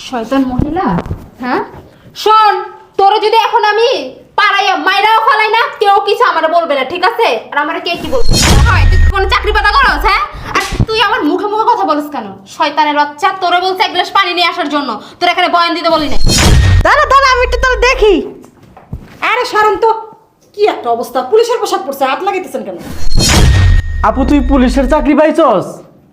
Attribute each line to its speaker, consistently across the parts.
Speaker 1: শয়তান মহিলা। হ্যাঁ শোন, তোরে যদি এখন আমি পাড়াইয়া মাইরাও ফেলাই না, কেউ কিছু আমার বলবে না, ঠিক আছে? আর আমার কে কি বলবে? হয় তুই কোনো চাকরি পাতা করস? হ্যাঁ, আর তুই আমার মুখে মুখে কথা বলস কেন? শয়তানের বাচ্চা, তোরে বলছে এক গ্লাস পানি নিয়ে আসার জন্য, তোর এখানে বয়ান দিতে বলি না।
Speaker 2: দাঁড়া দাঁড়া, আমি একটু তাহলে দেখি। আরে সরেন তো, কি একটা অবস্থা! পুলিশের পোশাক পরছে, হাত লাগাইতেছেন কেন?
Speaker 3: আপু তুই পুলিশের চাকরি পাইছস?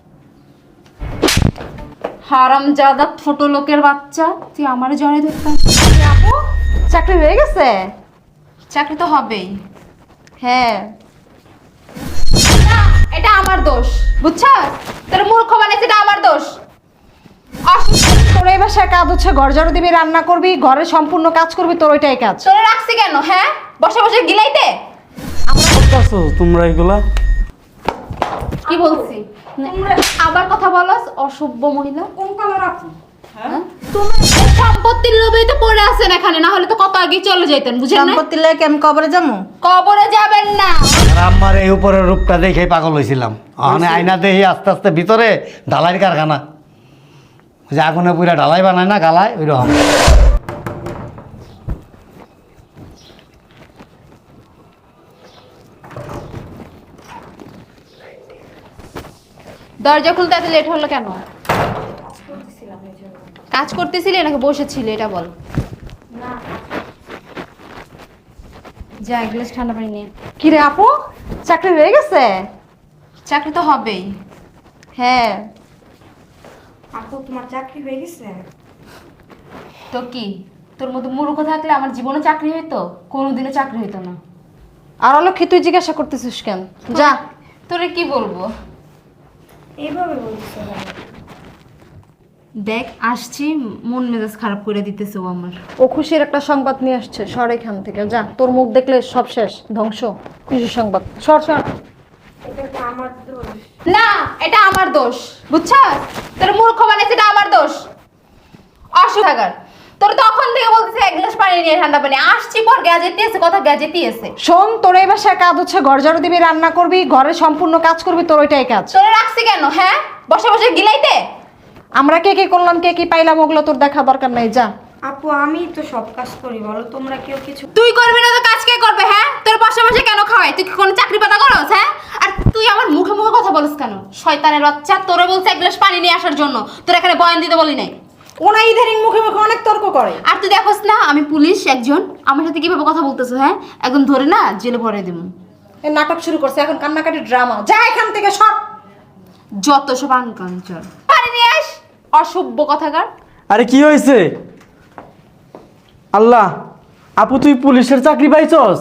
Speaker 1: হারামজাদা ছোট লোকের বাচ্চা, তুই আমারে জড়াই ধরতাম?
Speaker 2: আপু চাকরি হয়ে গেছে?
Speaker 1: চাকরি তো হবেই।
Speaker 2: হ্যাঁ।
Speaker 1: না, এটা আমার দোষ, বুঝছস? তোর মূর্খ বানাইছে, এটা আমার দোষ।
Speaker 2: তোর এই বাসায় কাজ হচ্ছে ঘর ঝাড়ু দিবি, রান্না করবি, ঘরের সম্পূর্ণ কাজ করবি, তোর ওইটাই কাজ।
Speaker 1: তোরে রাখছি কেন? হ্যাঁ, বসে বসে গিলাইতে?
Speaker 3: করতেছো তোমরা এগুলা?
Speaker 1: কি বলছি? আবার কথা বলস, অসভ্য মহিলা।
Speaker 2: কোন কালার আপু?
Speaker 1: হ্যাঁ, তুমি সম্পত্তির লোভেই তো পড়ে আছেন এখানে, না হলে তো কত আগে চলে যাইতেন, বুঝেন না?
Speaker 2: সম্পত্তি লেগে আমি কবরে যাবো?
Speaker 1: কবরে যাবেন না।
Speaker 4: আর আমার এই উপরের রূপটা দেখে পাগল হয়েছিলাম। ওখানে আয়না দেখি আস্তে আস্তে ভিতরে ঢালাইয়ের কারখানা, ওই যে আগুনে পুরা ঢালাই বানায় না গালায়, ওই রকম।
Speaker 1: দরজা খুলতে এত লেট হলো কেন? কাজ করতেছিলি নাকি বসেছিলি, এটা বল। যা এক গ্লাস ঠান্ডা পানি নিয়ে।
Speaker 2: কি রে আপু, চাকরি হয়ে গেছে?
Speaker 1: চাকরি তো হবেই।
Speaker 2: হ্যাঁ।
Speaker 5: আপু তোমার চাকরি হয়ে গেছে?
Speaker 1: তো কি, তোর মতো মূর্খ থাকলে আমার জীবনে চাকরি হইতো? কোনোদিনও চাকরি হইতো না।
Speaker 2: আর অলক্ষী তুই জিজ্ঞাসা করতেছিস কেন? যা।
Speaker 1: তোরে কি বলবো?
Speaker 5: এইভাবে বলছো কেন?
Speaker 1: দেখ আসছি, মন মেজাজ খারাপ করে দিতেছে ও আমার।
Speaker 2: ও খুশির একটা সংবাদ নিয়ে আসছে, সর এখান থেকে যা। তোর মুখ দেখলে সব শেষ, ধ্বংস। খুশির সংবাদ, সর সর।
Speaker 5: এটা তো আমার দোষ।
Speaker 1: না, এটা আমার দোষ, বুঝছস? তোর মূর্খ বানাইছে, এটা আমার দোষ। অসুথাগার, তোর তখন থেকে বলতেছে এক গ্লাস পানি নিয়ে, ঠান্ডা পানি। আসছি পর গ্যাজেটই আছে, কথা গ্যাজেটই আছে।
Speaker 2: শোন, তোর এই বাসায় কাজ হচ্ছে ঘর ঝাড়ু দিবি, রান্না করবি, ঘরের সম্পূর্ণ কাজ করবি, তোর ওইটাই কাজ।
Speaker 1: তোরে রাখছি কেন? হ্যাঁ, বসে বসে গিলাইতে?
Speaker 2: আমরা কে কি করলাম, কে কি পাইলাম, ওগুলো তোর দেখা দরকার নাই, যা।
Speaker 5: আপু আমি তো সব কাজ করি, বলো তোমরা কেউ কিছু?
Speaker 1: তুই করবি না তো কাজ কে করবে? হ্যাঁ, তোর বসে বসে কেন খাওয়াই? তুই কি কোনো চাকরি পাতা করস? হ্যাঁ, আর তুই আমার মুখে মুখে কথা বলস কেন? শয়তানের বাচ্চা, তোরে বলছে এক গ্লাস পানি নিয়ে আসার জন্য, তোর এখানে বয়ান দিতে বলি নাই।
Speaker 2: ওনা ইদারিং মুখে মুখে অনেক তর্ক করে।
Speaker 1: আর তুই দেখোস না আমি পুলিশ একজন, আমার সাথে কিভাবে কথা বলতেছো? হ্যাঁ, একদম ধরে না জেলে ভরে দেবো।
Speaker 2: এই নাটক শুরু করছে এখন, কান্নাকাটি ড্রামা। যা এখান থেকে, সর।
Speaker 1: যত সব আনকাঞ্চল। পানি নিয়ে আস, অসভ্য কথাকার।
Speaker 3: আরে কি হয়েছে? আল্লাহ, আপু তুই পুলিশের চাকরি পাইছস?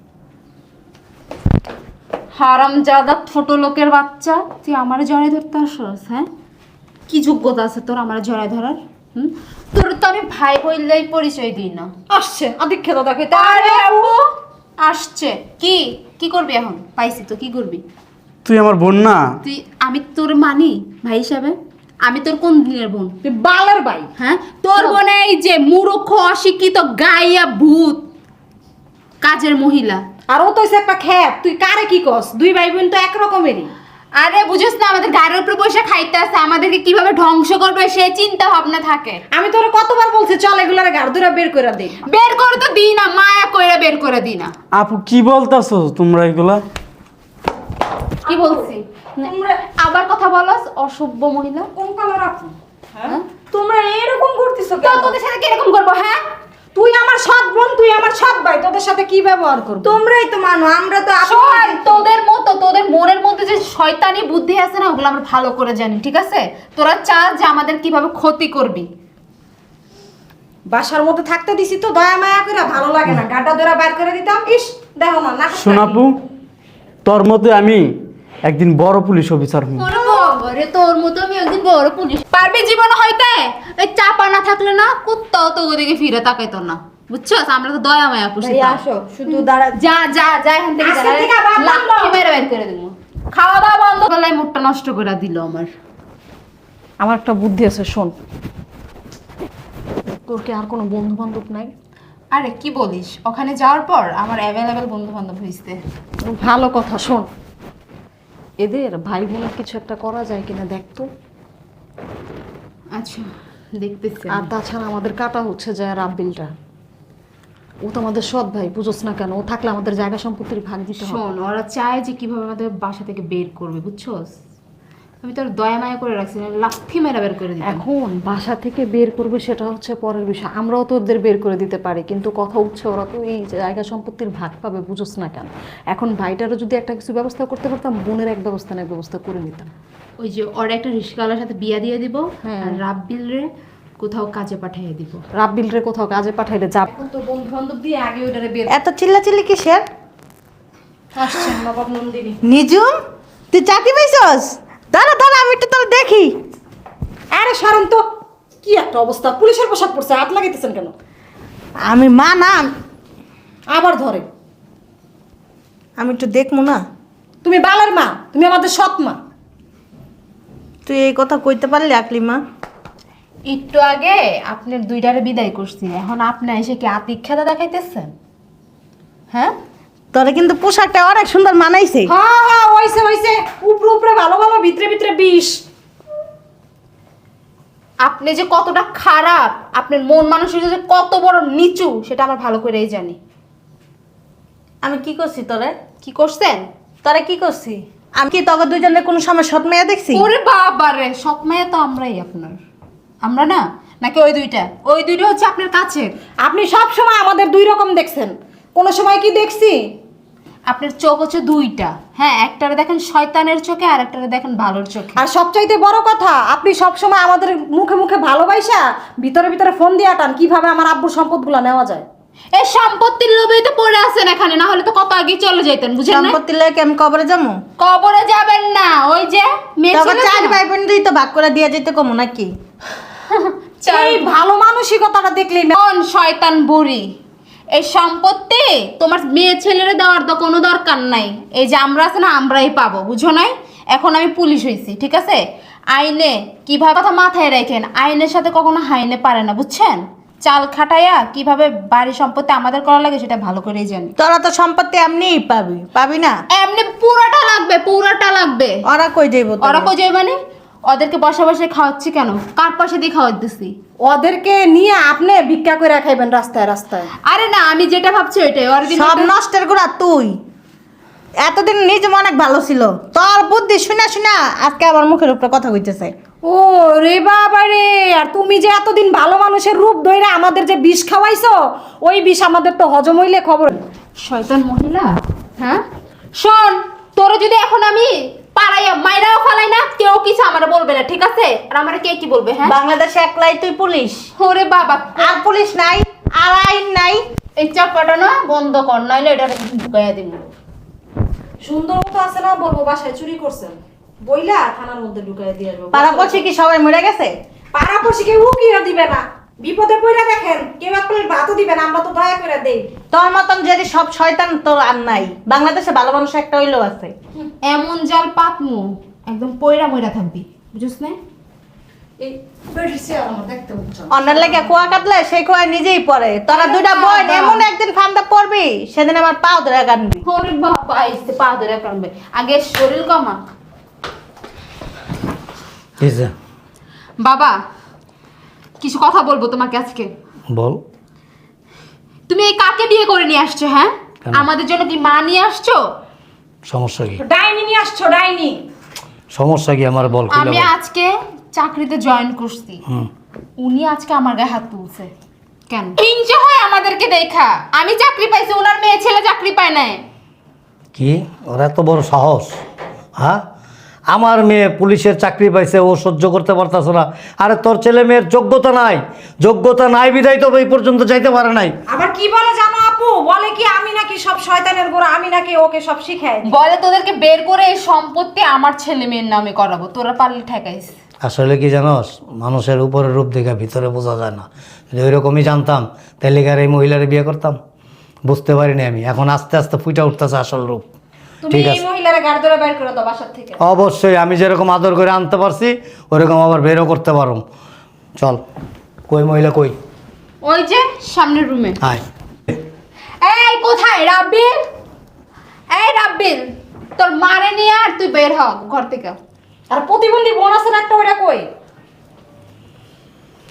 Speaker 1: হারামজাদা ছোট লোকের বাচ্চা, তুই আমারে জড়াই ধরতে আসস? হ্যাঁ, কি যোগ্যতা আছে তোর আমারে জড়াই ধরার? তোর তো আমি ভাই বললেই পরিচয় দিই না।
Speaker 2: আসছে আদিক্ষেতা দেখে।
Speaker 1: আরে আপু আসছে, কি কি করবি এখন? পাইছি তো, কি করবি
Speaker 3: তুই আমার বোন না?
Speaker 1: তুই? আমি তোর মানি ভাই হিসাবে? আমি তোর কোন দিনের বোন?
Speaker 2: তুই বালের ভাই।
Speaker 1: হ্যাঁ, তোর বোনে এই যে মূর্খ অশিক্ষিত গাইয়া ভূত কাজের মহিলা।
Speaker 2: আর ও তো হইছে একটা খ্যাপ। তুই কারে কি কস? দুই ভাই বোন তো একরকমেরই।
Speaker 1: আরে বুঝছ না, আমাদের গাড়ির উপরে বসে খাইতে আসে, আমাদেরকে কিভাবে ধ্বংস করবে সেই চিন্তা ভাবনা থাকে।
Speaker 2: আমি তোরে কতবার বলছি চল এগুলার গাড় ধরে বের করে দে।
Speaker 1: বের করে তো দিই না, মায়া কইরা বের করে দিই না।
Speaker 3: আপু কি বলতাছো তোমরা এগুলা?
Speaker 1: কি বলছি? আবার কথা বলস, অসভ্য মহিলা।
Speaker 2: কোন কালার আপু?
Speaker 1: হ্যাঁ,
Speaker 5: তোমরা এরকম করতেছো
Speaker 1: তো
Speaker 5: কেন?
Speaker 1: তোদের সাথে কিরকম করবো? হ্যাঁ,
Speaker 2: তুই আমার সৎ বোন, তুই আমার সৎ ভাই, তোদের সাথে কি ব্যবহার করব?
Speaker 5: তোমরাই তো মানো, আমরা তো
Speaker 1: শোন, তোদের মতো তোদের মনের মধ্যে যে শয়তানি বুদ্ধি আছে না, ওগুলো আমরা ভালো করে জানি, ঠিক আছে? তোরা চাস যে আমাদের কিভাবে ক্ষতি করবি।
Speaker 2: বাসার মধ্যে থাকতে দিছি তো দয়া মায়া করে, ভালো লাগে না, গাড্ডা ধরে বের করে দিতাম। ইস দেখো না নাটক।
Speaker 3: শোন আপু, তোর মতে আমি একদিন বড় পুলিশ অফিসার হই।
Speaker 1: ওরে তোর মতো আমি একদিন বড় পুলিশ পারবি জীবন হইতে? এই চাপা না থাকলে না কুত্তাও তো ওদিকে ফিরে তাকাইতো না, বুঝছস? আমরা তো দয়া মায়া পুষি।
Speaker 5: ভাই আসো, শুধু দাঁড়া।
Speaker 1: যা যা যা এখান থেকে,
Speaker 2: আজকে থেকে আবার বন্ধ।
Speaker 1: লাঠি মেরে বের করে দেবো। খাওয়া দাওয়া বন্ধ করলে মুখটা নষ্ট করে দিল আমার।
Speaker 2: আমার একটা বুদ্ধি আছে, শোন। তোর কি আর কোনো বন্ধু বান্ধব নাই?
Speaker 1: আরে কি বলিস, ওখানে যাওয়ার পর আমার অ্যাভেলেবেল বন্ধু বান্ধব হয়েছে।
Speaker 2: ভালো কথা, শোন। এদের ভাই বোনের কিছু একটা করা যায় কিনা দেখ তো।
Speaker 1: আচ্ছা দেখতেছি
Speaker 2: আর তাছাড়া আমাদের কাটা হচ্ছে যে রাব্বিলটা, ও তো আমাদের সৎ ভাই, বুঝোস না কেন? ও থাকলে আমাদের জায়গা সম্পত্তির ভাগ দিতে হবে।
Speaker 1: শোন, ওরা চায় যে কিভাবে আমাদের বাসা থেকে বের করবে, বুঝছস? আমি তোর দয়া মায়া করে রাখছি, না লাথি মেরা বের করে দিতাম।
Speaker 2: এখন বাসা থেকে বের করবে সেটা হচ্ছে পরের বিষয়, আমরাও তো ওদের বের করে দিতে পারি, কিন্তু কথা উঠছে ওরা তো এই জায়গা সম্পত্তির ভাগ পাবে, বুঝোস না কেন? এখন ভাইটারও যদি একটা কিছু ব্যবস্থা করতে পারতাম, বোনের এক ব্যবস্থা না এক ব্যবস্থা করে নিতাম।
Speaker 1: ওই যে ওর একটা রিস্কাওয়ালার সাথে বিয়া দিয়ে দিব,
Speaker 2: হ্যাঁ।
Speaker 1: আর রাব্বিল রে কোথাও কাজে পাঠিয়ে দিব।
Speaker 2: রাব্বিল রে কোথাও কাজে পাঠাইলে যাব।
Speaker 1: এখন তো বন্ধু বান্ধব দিয়ে আগে ওইটারে বের
Speaker 5: এত চিল্লাচিল্লি কিসের?
Speaker 1: আসছেন নবাব নন্দিনী।
Speaker 5: নিজুম, তুই চাকরি পাইছস? দাঁড়া দাঁড়া, আমি একটু তোর দেখি।
Speaker 2: আরে সরম তো, কি একটা অবস্থা! পুলিশের পোশাক পরছে, হাত লাগাইতেছেন কেন?
Speaker 5: আমি মা না,
Speaker 2: আবার ধরে।
Speaker 5: আমি একটু দেখবো না।
Speaker 2: তুমি বালের মা, তুমি আমাদের সৎ মা।
Speaker 5: তুই এই কথা কইতে পারলি আকলিমা?
Speaker 1: একটু আগে আপনার দুইটারে বিদায় করছি, এখন আপনি এসে কি আতিক্ষাতা দেখাইতেছেন? হ্যাঁ,
Speaker 5: তোরে কিন্তু পোশাকটা অনেক সুন্দর মানাইছে।
Speaker 2: হ্যাঁ হ্যাঁ, হইছে হইছে, উপরে উপরে ভালো ভালো, ভিতরে ভিতরে বিষ।
Speaker 1: আপনি যে কতটা খারাপ, আপনার মন মানসিকতা যে কত বড় নিচু, সেটা আমার ভালো করেই জানি।
Speaker 5: আমি কি করছি তোরে?
Speaker 1: কি করছেন?
Speaker 5: তোরে কি করছি? আমি কি তোকে দুইজনের কোনো সময় সৎ মেয়ে দেখছি?
Speaker 1: ওরে বাবা রে, সৎ মেয়ে তো আমরাই আপনার। আমরা না, নাকি ওই দুইটা? ওই দুইটা হচ্ছে আপনার কাছের।
Speaker 2: আপনি সব সময় আমাদের দুই রকম দেখছেন, কোন সময় কি দেখছি?
Speaker 1: আপনার চোখ হচ্ছে দুইটা, হ্যাঁ, একটারে দেখেন শয়তানের চোখে আর একটারে দেখেন ভালোর চোখে।
Speaker 2: আর সবচাইতে বড় কথা, আপনি সব সময় আমাদের মুখে মুখে ভালোবাসা ভিতরে ভিতরে ফোন দিয়ে আটান কিভাবে আমার আব্বুর সম্পদগুলো নেওয়া যায়।
Speaker 1: এই সম্পত্তির লোভেই তো পড়ে আছেন এখানে, না হলে তো কত আগে চলে যাইতেন, বুঝেন না?
Speaker 5: সম্পত্তি লেগে আমি কবরে যাবো?
Speaker 1: কবরে যাবেন না, ওই যে মেয়ে
Speaker 5: তোকে
Speaker 1: ছিল
Speaker 5: চার
Speaker 1: না?
Speaker 5: ভাই বোন দুই তো ভাগ করে দিয়ে যেতে কমু নাকি?
Speaker 2: এই ভালো মানসিকতাটা দেখলেই না।
Speaker 1: কোন শয়তান বুড়ি, এই সম্পত্তি তোমার মেয়ে ছেলেরে দেওয়ার তো কোনো দরকার নাই। এই যে আমরা আছে না, আমরাই পাবো, বুঝো নাই? এখন আমি পুলিশ হইছি, ঠিক আছে? আইনে কিভাবে কথা মাথায় রাখেন, আইনের সাথে কখনো হাইনে পারে না, বুঝছেন? চাল খাটাইয়া কিভাবে বাড়ি সম্পত্তি আমাদের করা লাগে সেটা ভালো করেই জানি।
Speaker 5: তোরা তো সম্পত্তি এমনিই পাবি, পাবি না?
Speaker 1: এমনি পুরাটা লাগবে, পুরাটা লাগবে।
Speaker 5: ওরা কই দেব?
Speaker 1: ওরা কই যাবে মানে? ওদেরকে বসে বসে খাওয়াচ্ছি কেন? কার পয়সা দিয়ে খাওয়াচ্ছি?
Speaker 2: ওদেরকে নিয়ে আপনি ভিক্ষা করে খাইবেন রাস্তায় রাস্তায়।
Speaker 1: আরে না, আমি যেটা ভাবছি ওইটাই। ওর দিন
Speaker 5: সব নষ্টের গুড়া তুই। এতদিন নিজ অনেক ভালো ছিল, তোর বুদ্ধি শুনা শুনা আজকে আমার মুখের উপরে কথা কইতেছে।
Speaker 2: ও রে বাবা রে, আর তুমি যে এতদিন ভালো মানুষের রূপ ধরে আমাদের যে বিষ খাওয়াইছো, ওই বিষ আমাদের তো হজম হইলে খবর।
Speaker 1: শয়তান মহিলা, হ্যাঁ? শোন, তোর যদি এখন আমি পাড়াইয়া মাইরাও ফেলাই না, কেউ কিছু আমারে বলবে না, ঠিক আছে? আর আমারে কে কি বলবে? হ্যাঁ,
Speaker 5: বাংলাদেশে একলাই তুই পুলিশ,
Speaker 1: ওরে বাবা,
Speaker 5: আর পুলিশ নাই, আর আইন নাই।
Speaker 1: এই চাপাটা না বন্ধ কর, নইলে এটা ঢুকাইয়া দিব।
Speaker 2: সুন্দর মতো আছে না, বলবো বাসায় চুরি করছেন, বইলা থানার মধ্যে ঢুকাই দিয়ে আসবো।
Speaker 5: পাড়াপড়শি কি সবাই মরে গেছে?
Speaker 2: পাড়াপড়শি কেউ উকিও দিবে না, বিপদে পড়ে দেখেন কেউ এক প্লেট ভাতও দিবে না, আমরা তো দয়া করে দেই।
Speaker 5: তোর মতন যদি সব শয়তান তোর আর নাই। বাংলাদেশে ভালো মানুষ একটা হইলেও আছে।
Speaker 1: এমন জাল পাতমু একদম পয়রা ময়রা থাকবি, বুঝছ না?
Speaker 2: এই বেরিয়েছে আমার দেখতে হচ্ছে।
Speaker 5: অন্যের লেগে কুয়া কাটলে সেই কুয়া নিজেই পড়ে। তোরা দুইটা বোন এমন একদিন ফান্দা পড়বি, সেদিন আমার পাও ধরে কাটবি।
Speaker 1: ওরে বাবা, আইছে পা ধরে কামবে। আগে শরীর কমা।
Speaker 4: কিসে?
Speaker 1: বাবা, কিছু কথা বলবো তোমাকে আজকে।
Speaker 4: বল।
Speaker 1: তুমি এই কাকে বিয়ে করে নিয়ে আসছো? হ্যাঁ,
Speaker 4: কেন?
Speaker 1: আমাদের জন্য কি মা নিয়ে আসছো?
Speaker 4: সমস্যা কি?
Speaker 2: ডাইনি নিয়ে আসছো, ডাইনি।
Speaker 4: সমস্যা কি আমার বল, খুলে
Speaker 1: আমি
Speaker 4: বল।
Speaker 1: আজকে চাকরিতে জয়েন করছি,
Speaker 4: হুম।
Speaker 1: উনি আজকে আমার গায়ে হাত তুলছে কেন? হিংসা হয় আমাদেরকে দেখা। আমি চাকরি পাইছি, ওনার মেয়ে ছেলে চাকরি পায় না।
Speaker 4: কি ওর এত বড় সাহস? হ্যাঁ, আমার মেয়ে পুলিশের চাকরি পাইছে, ও সহ্য করতে পারতাছ না? আরে তোর ছেলে মেয়ের যোগ্যতা নাই, যোগ্যতা নাই বিধায় তো এই পর্যন্ত যাইতে পারে নাই।
Speaker 2: আবার কি বলে জানো আপু, বলে কি আমি নাকি সব শয়তানের গোড়া, আমি নাকি ওকে সব শিখাই দিই।
Speaker 1: বলে তোদেরকে বের করে এই সম্পত্তি আমার ছেলে মেয়ের নামে করাবো, তোরা পারলে ঠেকাইস।
Speaker 4: আসলে কি জানোস, মানুষের উপরে রূপ দেখে ভিতরে বোঝা যায় না। যদি ওইরকমই জানতাম তাহলে কি আর এই মহিলারে বিয়ে করতাম? বুঝতে পারিনি আমি, এখন আস্তে আস্তে ফুটে উঠতেছে আসল রূপ।
Speaker 2: তুমি
Speaker 4: ঠিক
Speaker 2: এই
Speaker 4: আছে,
Speaker 2: মহিলারে গাড় ধরে বের করে দাও বাসার থেকে।
Speaker 4: অবশ্যই আমি যেরকম আদর করে আনতে পারছি ওরকম আবার বেরও করতে পারো। চল, কই মহিলা কই?
Speaker 1: ওই যে সামনের রুমে।
Speaker 4: আয়।
Speaker 1: এই কোথায় রাব্বিল? এই রাব্বিল, তোর মারে নিয়ে আর তুই বের হ ঘর থেকে।
Speaker 2: আর প্রতিবন্ধী বোন আছে না একটা, ওইটা কই?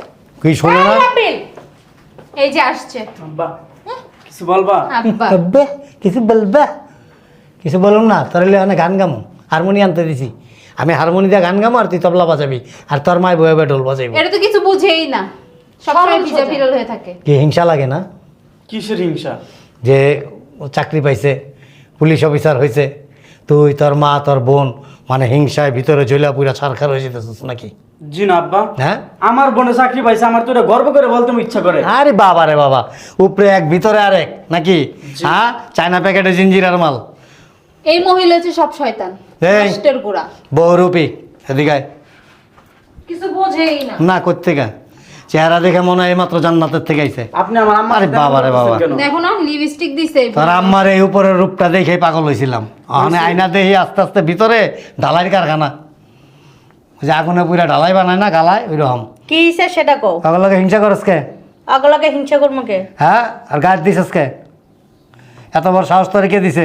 Speaker 4: কি শোনো না?
Speaker 1: এই রাব্বিল, এই যে আসছে
Speaker 3: আব্বা কিছু বলবা?
Speaker 1: আব্বা।
Speaker 4: আব্বে, কিছু বলবে? কিছু বলুন না, তোর অনেক গান গামো, হারমোনি আনতে দিছি আমি, হারমোনি দিয়ে গান গামো আর তুই তবলা বাজাবি, আর তোর মায় বয়ে বয়ে ঢোল বাজাইবি।
Speaker 1: এটা তো কিছু বুঝেই না, সবসময় ভিজা বিরল হয়ে থাকে।
Speaker 4: কি হিংসা লাগে না
Speaker 3: কিসের হিংসা?
Speaker 4: যে ও চাকরি পাইছে, পুলিশ অফিসার হয়েছে, তুই তোর মা তোর বোন মানে হিংসায় ভিতরে জ্বলা পুরা ছারখার হয়ে যেতেছিস নাকি?
Speaker 3: জি না আব্বা,
Speaker 4: হ্যাঁ
Speaker 3: আমার বোনে চাকরি পাইছে, আমার তো এটা গর্ব করে বলতে আমার ইচ্ছা করে।
Speaker 4: আরে বাবা রে বাবা, উপরে এক ভিতরে আরেক নাকি? হ্যাঁ, চায়না প্যাকেটে জিঞ্জিরার মাল।
Speaker 1: এই মহিলা হচ্ছে সব শয়তান,
Speaker 4: এই।
Speaker 1: নষ্টের গোড়া।
Speaker 4: বহুরূপী, এদিকে আয়।
Speaker 1: কিছু বোঝেই না।
Speaker 4: না কোত্থেকে? চেহারা দেখে মনে হয় মাত্র জান্নাতের থেকে আইছে।
Speaker 3: আপনি আমার আম্মা
Speaker 4: আরে বাবা রে বাবা।
Speaker 1: দেখো না লিপস্টিক দিছে।
Speaker 4: তোর আম্মার এই উপরের রূপটা দেখে পাগল হয়েছিলাম, ওখানে আয়না দেখি আস্তে আস্তে ভিতরে ঢালাইয়ের কারখানা, ওই যে আগুনে পুরা ঢালাই বানায় না গালায়, ওই রকম।
Speaker 5: কি হিসে সেটা কও।
Speaker 4: পাগলকে হিংসা করস কে?
Speaker 5: আগলাকে হিংসা করবো কে?
Speaker 4: হ্যাঁ, আর গাছ দিছিস কে? এত বড় সাহস তোরে কে দিছে?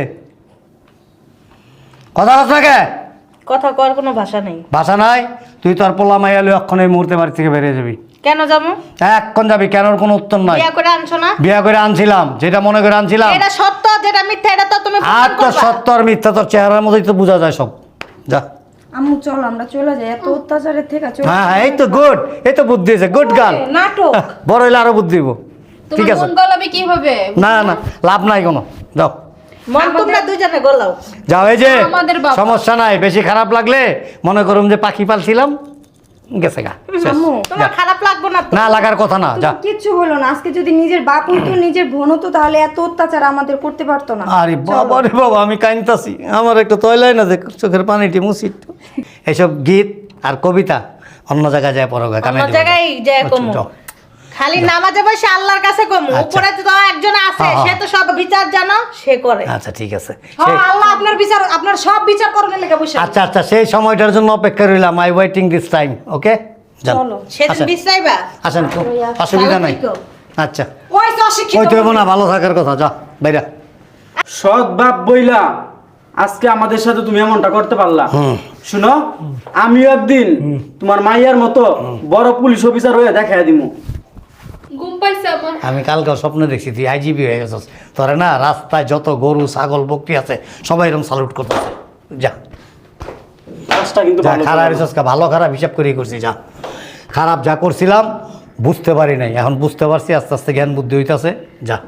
Speaker 4: কথা কস না কে?
Speaker 5: কথা কর কোনো ভাষা নেই।
Speaker 4: ভাষা নাই? তুই তোর পোলা মাইয়া লই অক্ষণ এই মুহূর্তে বাড়ি থেকে বেরিয়ে যাবি।
Speaker 5: কেন যাবো?
Speaker 4: এক্ষণ যাবি, কেনর কোনো উত্তর নাই।
Speaker 5: বিয়া করে আনছো না?
Speaker 4: বিয়া করে আনছিলাম, যেটা মনে করে আনছিলাম।
Speaker 5: এটা সত্য, যেটা মিথ্যা এটা তো তুমি
Speaker 4: আর
Speaker 5: প্রমাণ
Speaker 4: তো
Speaker 5: করবা।
Speaker 4: সত্য আর মিথ্যা তোর চেহারার মধ্যেই তো বোঝা যায় সব। যা।
Speaker 6: আম্মু চল আমরা চলে যাই, এত অত্যাচারের থেকে চল।
Speaker 4: হ্যাঁ হ্যাঁ, এই তো গুড, এই তো বুদ্ধি আছে, গুড গার্ল।
Speaker 6: নাটক।
Speaker 4: বড় হইলে আরো বুদ্ধি দিব। ঠিক
Speaker 1: তোমার
Speaker 4: আছে,
Speaker 1: মন গলাবে কিভাবে?
Speaker 4: না না লাভ নাই কোনো, যাও
Speaker 5: মন তোমরা দুজনে গলাও।
Speaker 4: যাও। এই যে
Speaker 1: আমাদের বাবা।
Speaker 4: সমস্যা নাই, বেশি খারাপ লাগলে মনে করুম যে পাখি পালছিলাম, গেছে গা, শেষ।
Speaker 6: আম্মু
Speaker 5: তোমার খারাপ লাগবে না তো?
Speaker 4: না লাগার কথা না, যা।
Speaker 6: কিচ্ছু হলো না, আজকে যদি নিজের বাপ হতো নিজের বোন হতো তাহলে এত অত্যাচার আমাদের করতে পারতো না।
Speaker 4: আরে বাবা রে বাবা, আমি কাইনতাছি, আমার একটা তয়লাই না যে চোখের পানিটি মুছি। এইসব গীত আর কবিতা অন্য জায়গায় যায় পড়ো,
Speaker 5: অন্য জায়গায় যায় কমু।
Speaker 4: যাও।
Speaker 5: খালি নামাজে বসে আল্লাহর কাছে কমু।
Speaker 4: আচ্ছা।
Speaker 5: উপরে তো একজন আছে,
Speaker 4: হ্যাঁ,
Speaker 5: সে
Speaker 4: হ্যাঁ।
Speaker 5: তো সব বিচার জানো, সে করে।
Speaker 4: আচ্ছা ঠিক আছে,
Speaker 6: হ্যাঁ, আল্লাহ আপনার বিচার, আপনার সব বিচার করবেন লেগে বসে।
Speaker 4: আচ্ছা আচ্ছা, সেই সময়টার জন্য অপেক্ষা রইলাম। I waiting this time, okay?
Speaker 6: চলো।
Speaker 5: সেদিন বিশ্রাইবা।
Speaker 4: আসেন, অসুবিধা নাই।
Speaker 5: ভালো থেকো।
Speaker 4: আচ্ছা,
Speaker 6: ওই তো অশিক্ষিত।
Speaker 4: ওই তো না, ভালো থাকার কথা, যা বাইরা।
Speaker 3: সৎ বাপ বইলা আজকে আমাদের সাথে তুমি এমনটা করতে পারলা। শুনো, আমিও একদিন তোমার মাইয়ার মতো বড় পুলিশ অফিসার হয়ে দেখাই দিমু।
Speaker 1: ঘুম পাইছে আমার।
Speaker 4: আমি কালকে স্বপ্নে দেখছি তুই আইজিবি হয়ে গেছিস। তোরে না রাস্তায় যত গরু ছাগল বকরি আছে সবাই এরকম স্যালুট করতেছে। যা
Speaker 3: কাজটা কিন্তু
Speaker 4: যা,
Speaker 3: ভালো
Speaker 4: খারাপ
Speaker 3: করো।
Speaker 4: রিসার্চ ভালো খারাপ হিসাব করেই করছি। যা, খারাপ যা করছিলাম বুঝতে পারি নাই, এখন বুঝতে পারছি, আস্তে আস্তে জ্ঞান বুদ্ধি হইতাছে। যা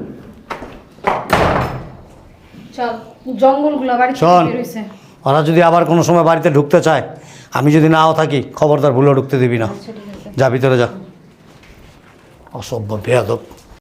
Speaker 6: চল, জঙ্গলগুলো বাড়ি থেকে
Speaker 4: শোন,
Speaker 6: বের হইছে।
Speaker 4: ওরা যদি আবার কোনো সময় বাড়িতে ঢুকতে চায়, আমি যদি নাও থাকি, খবরদার ভুলেও ঢুকতে দিবি না। যা ভিতরে যা, অসভ্য বেয়াদব।